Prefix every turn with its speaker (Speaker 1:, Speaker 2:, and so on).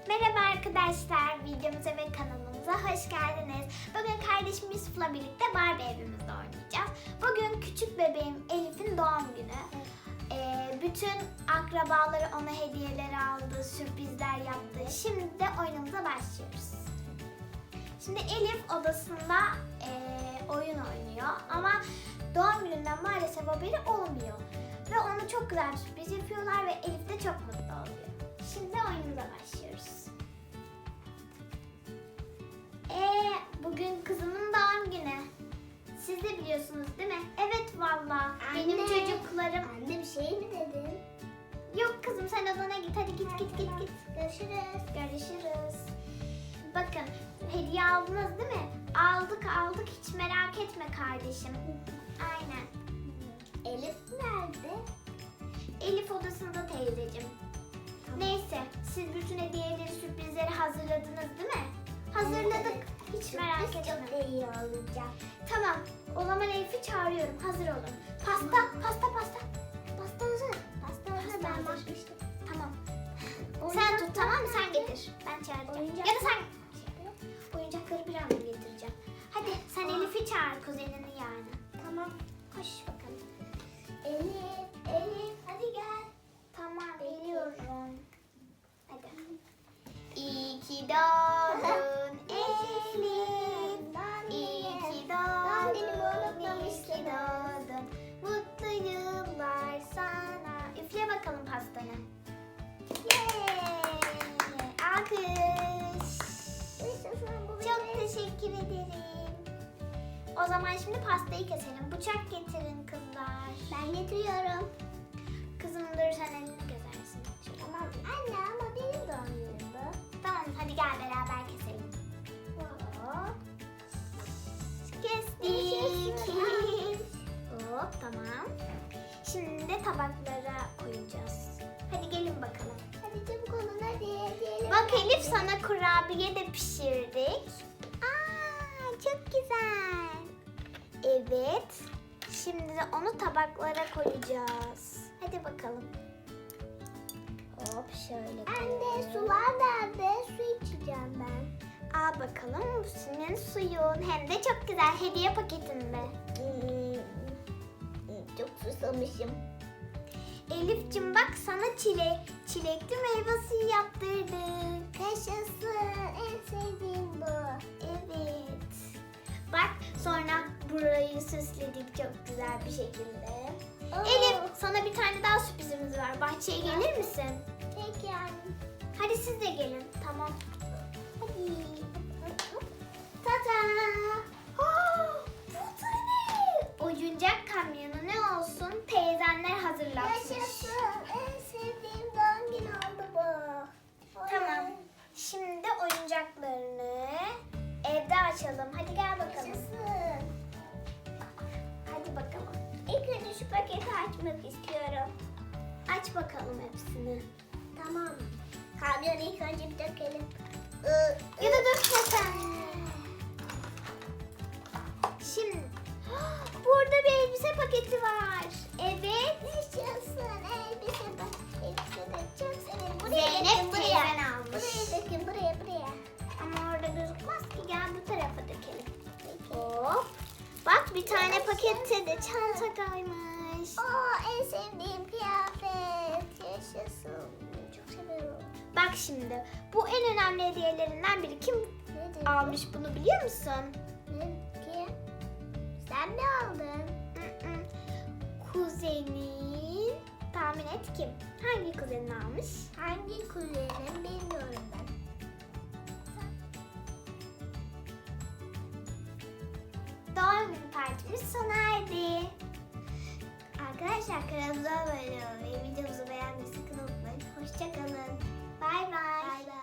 Speaker 1: Merhaba arkadaşlar, videomuza ve kanalımıza hoş geldiniz. Bugün kardeşim Yusuf'la birlikte Barbie evimizde oynayacağız. Bugün küçük bebeğim Elif'in doğum günü. Bütün akrabaları ona hediyeler aldı, sürprizler yaptı. Şimdi de oyunumuza başlıyoruz. Şimdi Elif odasında oyun oynuyor ama doğum gününden maalesef haberi olmuyor. Ve ona çok güzel bir sürpriz yapıyorlar ve Elif de çok mutlu oluyor. Şimdi oyunumuza başlıyoruz. Bugün kızımın doğum günü. Siz de biliyorsunuz değil mi? Evet valla. Benim çocuklarım...
Speaker 2: Anne bir şey mi dedin?
Speaker 1: Yok kızım sen odana git. Hadi git.
Speaker 2: Görüşürüz.
Speaker 1: Görüşürüz. Bakın hediye aldınız değil mi? Aldık. Hiç merak etme kardeşim. Aynen.
Speaker 2: Elif nerede?
Speaker 1: Elif odasında teyzeciğim. Neyse siz bütün hediyeleri, sürprizleri hazırladınız değil mi? Hazırladık. Hiç merak etme.
Speaker 2: Çok iyi olacak.
Speaker 1: Tamam. O zaman Elif'i çağırıyorum. Hazır olun. Pasta hazır.
Speaker 2: Pasta hazır. Ben
Speaker 1: hazır.
Speaker 2: bakmıştım.
Speaker 1: Tamam. Sen tut tamam mı? Sen getir. Ben çağıracağım. Ya da sen oyuncakları bir anda getireceğim. Hadi sen Elif'i çağır kuzenini yani.
Speaker 2: Tamam.
Speaker 1: Koş bakalım.
Speaker 2: Elif hadi gel.
Speaker 1: Tamam geliyorum. Hadi. İyi ki doğdun Elif. İyi ki doğdun. İyi ki doğdun. Mutlu yıllar sana. Üfle bakalım pastanı. Alkış. Çok teşekkür ederim. O zaman şimdi pastayı keselim. Bıçak getirin kızlar.
Speaker 2: Ben getiriyorum.
Speaker 1: Kızım dur sen elini kesersin. Şöyle.
Speaker 2: Tamam. Anne ama benim doğum günüm bu.
Speaker 1: Tamam hadi gel beraber keselim.
Speaker 2: Hop.
Speaker 1: Kestik. Hop tamam. Şimdi de tabaklara koyacağız. Hadi gelin bakalım.
Speaker 2: Hadi çabuk olun hadi. Gelin.
Speaker 1: Bak Elif sana kurabiye de pişirdik. Aa çok güzel. Evet. Şimdi de onu tabaklara koyacağız. Hadi bakalım. Hop şöyle koyalım.
Speaker 2: Anne sular nerede? Su içeceğim ben.
Speaker 1: Al bakalım bu senin suyun. Hem de çok güzel hediye paketinde.
Speaker 2: Çok susamışım.
Speaker 1: Elif'cim bak sana çilekli meyve suyu yaptırdık.
Speaker 2: Yaşasın. En sevdiğim bu.
Speaker 1: Evet. Bak sonra burayı süsledik çok güzel bir şekilde.
Speaker 2: Oo.
Speaker 1: Elif sana bir tane daha sürprizimiz var. Bahçeye gelir misin?
Speaker 2: Peki anne.
Speaker 1: Hadi siz de gelin. Tamam. Hadi. Tada! Bu da ne? Oyuncak kamyonu ne olsun? Teyzenler hazırlatmış.
Speaker 2: Yaşasın. En sevdiğim doğum günü oldu bu.
Speaker 1: Tamam. Şimdi oyuncaklarını evde açalım. Hadi gel bakalım.
Speaker 2: Yaşasın.
Speaker 1: Hadi bakalım.
Speaker 2: İlk önce şu paketi açmak istiyorum.
Speaker 1: Aç bakalım hepsini.
Speaker 2: Tamam. Kamyonu ilk önce bir dökelim.
Speaker 1: Ya da dökme sen. Şimdi burada bir elbise paketi var. Evet.
Speaker 2: Yaşasın. Elbise bak. Elbise de çok severim.
Speaker 1: Zeynep
Speaker 2: buraya.
Speaker 1: teyzen almış.
Speaker 2: Buraya dökün buraya.
Speaker 1: Ama orada gözükmez ki. Gel bu tarafa dökelim. Hop. Bak bir tane pakette de çanta kaymış.
Speaker 2: En sevdiğim kıyafet. Yaşasın. Çok seviyorum.
Speaker 1: Bak şimdi bu en önemli hediyelerinden biri. Kim
Speaker 2: Nedir?
Speaker 1: almış bunu biliyor musun?
Speaker 2: Ne ki? Sen mi aldın?
Speaker 1: Kuzenin. Tahmin et kim? Hangi kuzenin almış?
Speaker 2: Hangi kuzenim bilmiyorum ben.
Speaker 1: Doğum günü partimiz sona erdi. Arkadaşlar kanalımıza abone olmayı, videomuzu beğenmeyi sakın unutmayın. Hoşça kalın. Bay bay.